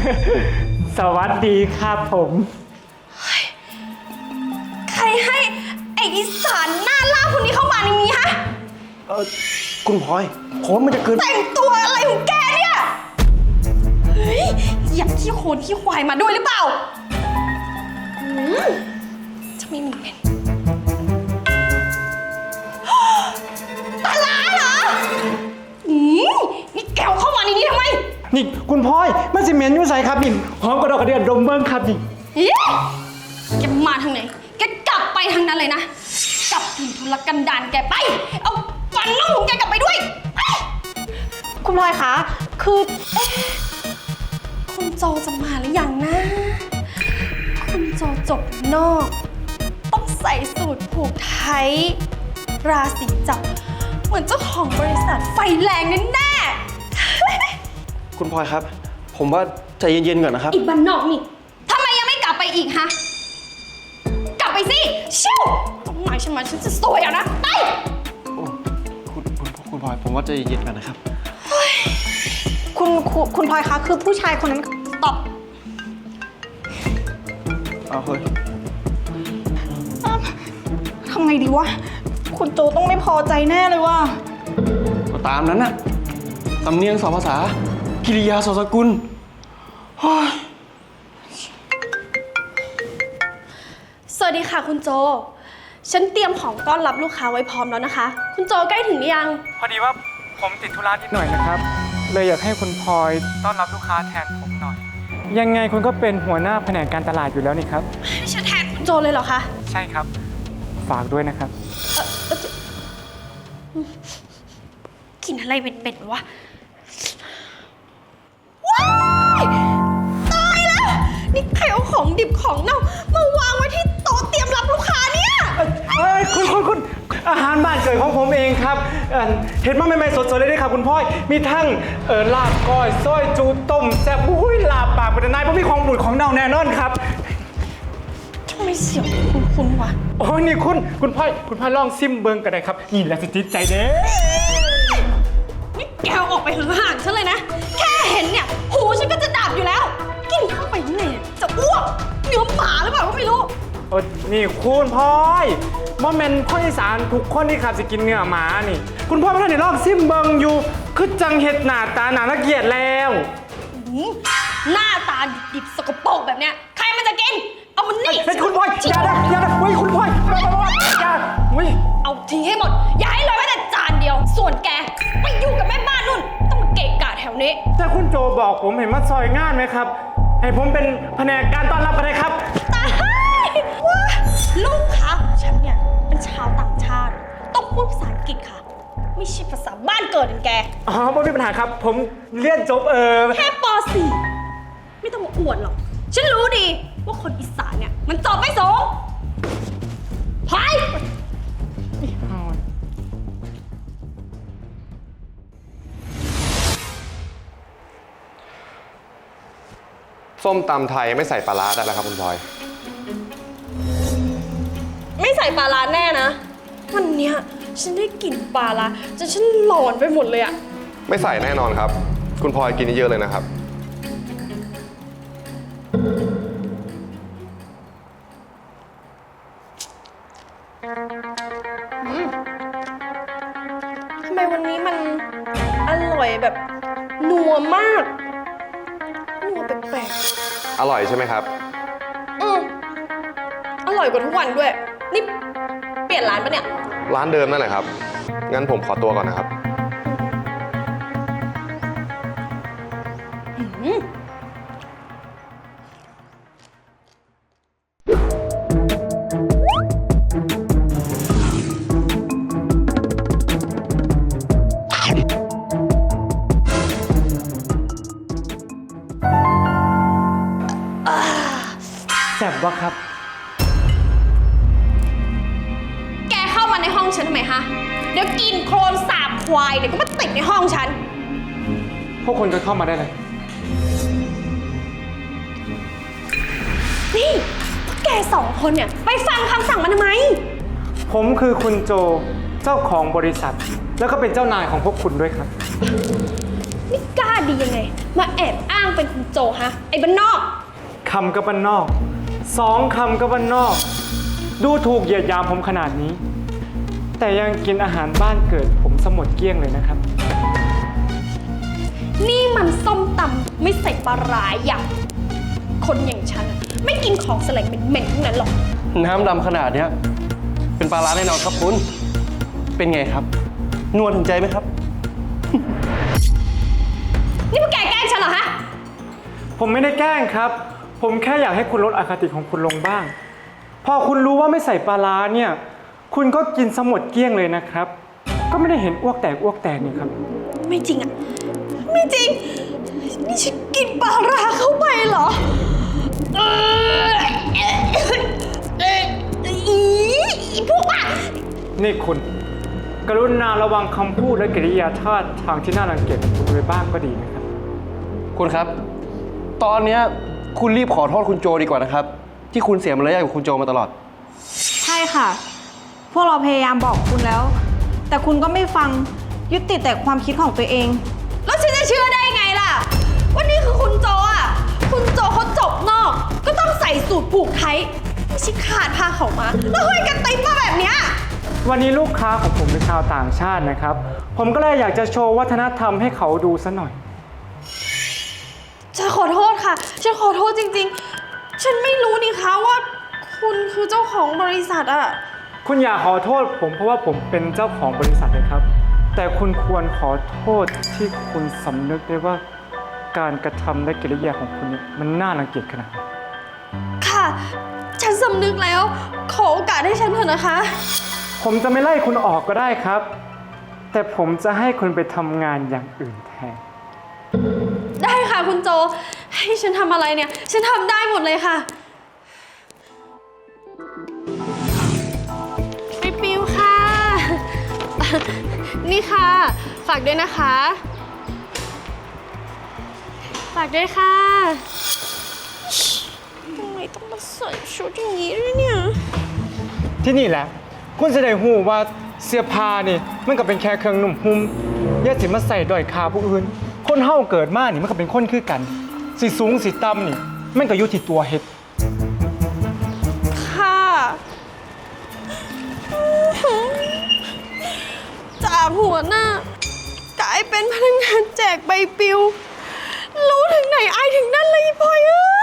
สวัสดีครับผมใครให้ไอ้อีสานหน้าล่าคนนี้เข้ามาในนี้ฮะคุณพลอยผมมันจะเกินแต่งตัวอะไรของแกเนี่ย เฮ้ยอยากขี้โคลนขี้ควายมาด้วยหรือเปล่าจะไม่มีเป็นปลาร้าเหรอนี่แกวเข้ามาในนี้ทำไมนี่คุณพลอยมันสิเหม็นอยู่ใส่ครับนี่หอมกระดอกกระเดียดดมเบิ้งครับนี่แกมาทางไหน แกกลับไปทางนั้นเลยนะ กลับถิ่นทุรกันดารแกไป เอาฟันน้องของแกกลับไปด้วยไปคุณพลอยคะ คือคุณโจจะมาหรือยังนะ คุณโจจบนอก ต้องใส่สูทผูกไทยราศีจับ เหมือนเจ้าของบริษัทไฟแรงแน่คุณพลอยครับ ผมว่าใจเย็นๆก่อนนะครับอีกบ้านนอกนี่ทำไมยังไม่กลับไปอีกฮะ กลับไปสิชิวต้องหมายฉันมาฉันจะสวยเอานะ ไปคุณพลอยผมว่าใจเย็นๆก่อนนะครับคุณพลอยคะ คือผู้ชายคนนั้นตอบเอาเฮ้ยทำไงดีวะ คุณโจต้องไม่พอใจแน่เลยว่ะก็ตามนั้นน่ะสำเนียงสองภาษา กิริยาสองสกุลเฮ้ยสวัสดีค่ะคุณโจ ฉันเตรียมของต้อนรับลูกค้าไว้พร้อมแล้วนะคะ คุณโจใกล้ถึงหรือยังพอดีว่าผมติดธุระนิดหน่อยนะครับ เลยอยากให้คุณพลอยต้อนรับลูกค้าแทนผมหน่อย ยังไงคุณก็เป็นหัวหน้าแผนกการตลาดอยู่แล้วนี่ครับให้ฉันแทนคุณโจเลยเหรอคะใช่ครับ ฝากด้วยนะครับกินอะไรเป็นๆวะ ว้ายตายแล้ว นี่ใครเอาของดิบของเน่ามาวางไว้ที่โต๊ะเตรียมรับลูกค้าเนี่ยเอ้ยคุณอาหารบ้านเกิดของผมเองครับเห็นมาใหม่ๆสดๆเลยด้วยครับคุณพ่อยมีทั้งลาบก้อยซอยจูต้มแซ่บอุ้ยลาบปากเป็นนายเพราะมีของบูดของเน่าแน่นอนครับทำไมเสียงคุ้นๆวะโอ้ยนี่คุณพ่อยลองซิมเบิงกันได้ครับนี่แหละสิจิตใจเด้นี่แกวออกไปห่างๆฉันเลยนะ แค่เห็นเนี่ย หูฉันก็จะดับอยู่แล้ว กินเข้าไปยังไงเนี่ยจะอ้วกเนื้อหมาหรือเปล่าก็ไม่รู้โอ้นี่คุณพ่อยโมเมนต์คนอีสานทุกคนที่ขับจะกินเนื้อหมานี่ คุณพ่อไม่ทันได้ลองซิมเบิงอยู่คือจังเห็ดหน้าตาหนาเกลียดแล้วหน้าตาดิบๆสกปรกแบบเนี้ยใครมันจะกิน เอามันนี่เป็นคุณพ่อยอย่านะเฮ้ยคุณพ่อยอย่าเฮ้ยเอาทิ้งให้หมด อย่าให้เหลยแม้แต่จานเดียว ส่วนแกไปอยู่กับแม่บ้านนู่น ต้องมาเกะกะแถวนี้แต่คุณโจบอกผมเห็นมาซอยงานไหมครับ ให้ผมเป็นแผนกการต้อนรับกันเลยครับตายว้าลูกค้าของฉันเนี่ยเป็นชาวต่างชาติ ต้องพูดภาษาอังกฤษค่ะ ไม่ใช่ภาษาบ้านเกิดของแกอ๋อไม่มีปัญหาครับ ผมเรียนจบแค่ป .4 ไม่ต้องมาอวดหรอก ฉันรู้ดีว่าคนอีสานเนี่ยมันจบไม่สูงไปส้มตำไทยไม่ใส่ปลาร้าได้แล้วครับคุณพลอยไม่ใส่ปลาร้าแน่นะ วันเนี้ยฉันได้กลิ่นปลาร้าจนฉันหลอนไปหมดเลยอะไม่ใส่แน่นอนครับ คุณพลอยกินเยอะๆเลยนะครับทำไมวันนี้มันอร่อยแบบนัวมาก นัวแปลกอร่อยใช่ไหมครับๆอร่อยกว่าทุกวันด้วย นี่เปลี่ยนร้านปะเนี่ยร้านเดิมนั่นแหละครับ งั้นผมขอตัวก่อนนะครับแซ่บวะครับแกเข้ามาในห้องฉันทำไมฮะ เดี๋ยวกินโคลนสาบควายเดี๋ยวก็มาติดในห้องฉันพวกคนก็เข้ามาได้เลยนี่พวกแกสองคนเนี่ยไปฟังคำสั่งมันทำไมผมคือคุณโจเจ้าของบริษัท แล้วก็เป็นเจ้านายของพวกคุณด้วยครับนี่กล้าดียังไงมาแอบอ้างเป็นคุณโจฮะ ไอ้บ้านนอกคำกับบ้านนอกสองคำกับบ้านนอก ดูถูกเหยียดหยามผมขนาดนี้ แต่ยังกินอาหารบ้านเกิดผมสมดเกลี้ยงเลยนะครับนี่มันส้มตำไม่ใส่ปลาร้าอย่างคนอย่างฉันอะไม่กินของแสลงเหม็นๆทั้งนั้นหรอกน้ำดำขนาดเนี้ยเป็นปลาร้าแน่นอนครับคุณ เป็นไงครับ นวลถึงใจไหมครับนี่พวกแกแกล้งฉันเหรอฮะผมไม่ได้แกล้งครับ ผมแค่อยากให้คุณลดอคติของคุณลงบ้าง พอคุณรู้ว่าไม่ใส่ปลาร้าเนี่ย คุณก็กินสมดเกลี้ยงเลยนะครับ ก็ไม่ได้เห็นอ้วกแตกนี่ครับไม่จริงอะไม่จริง นี่ฉันกินปลาร้าเข้าไปเหรออีพวกอ่ะนี่คุณ กรุณาระวังคำพูดและกิริยาท่าทางที่น่ารังเกียจของคุณไว้บ้างก็ดีนะครับคุณครับ ตอนเนี้ยคุณรีบขอโทษคุณโจดีกว่านะครับ ที่คุณเสียมารยาทกับคุณโจมาตลอดใช่ค่ะ พวกเราพยายามบอกคุณแล้ว แต่คุณก็ไม่ฟังยึดติดแต่ความคิดของตัวเองแล้วฉันจะเชื่อได้ไงล่ะว่านี่คือคุณโจอ่ะ คุณโจเขาจบนอก ก็ต้องใส่สูทผูกไทยไม่ใช่ขาดผ้าเขาวมา แล้วห้อยกันติ๊บมาแบบเนี้ยวันนี้ลูกค้าของผมเป็นชาวต่างชาตินะครับ ผมก็เลยอยากจะโชว์วัฒนธรรมให้เขาดูซะหน่อยฉันขอโทษค่ะ ฉันขอโทษจริงๆ ฉันไม่รู้นี่คะว่า คุณคือเจ้าของบริษัทอะคุณอย่าขอโทษผมเพราะว่าผมเป็นเจ้าของบริษัทเลยครับ แต่คุณควรขอโทษที่คุณสำนึกได้ว่าการกระทำและกิริยาของคุณเนี่ยมันน่ารังเกียจขนาดไหนค่ะ ฉันสำนึกแล้ว ขอโอกาสให้ฉันเถอะนะคะผมจะไม่ไล่คุณออกก็ได้ครับ แต่ผมจะให้คุณไปทำงานอย่างอื่นแทนได้ค่ะคุณโจ ให้ฉันทำอะไรเนี่ย ฉันทำได้หมดเลยค่ะไปปิวค่ะ นี่ค่ะ ฝากด้วยนะคะ ฝากด้วยค่ะทำไมต้องมาใส่ชุดอย่างนี้ด้วยเนี่ยที่นี่แหละ คุณจะได้หูว่าเสื้อผ้านี่มันก็เป็นแค่เครื่องนุ่มหุ้มอย่าสิมาใส่ด้อยค่าผู้อื่น คนเฮาเกิดมานี่มันก็เป็นคนคือกัน สิสูงสิต่ำนี่มันก็อยู่ที่ตัวเฮ็ดค่ะ จากหัวหน้ากลายเป็นพนักงานแจกใบปลิว รู้ถึงไหนอายถึงนั่นเลยพลอยเอ้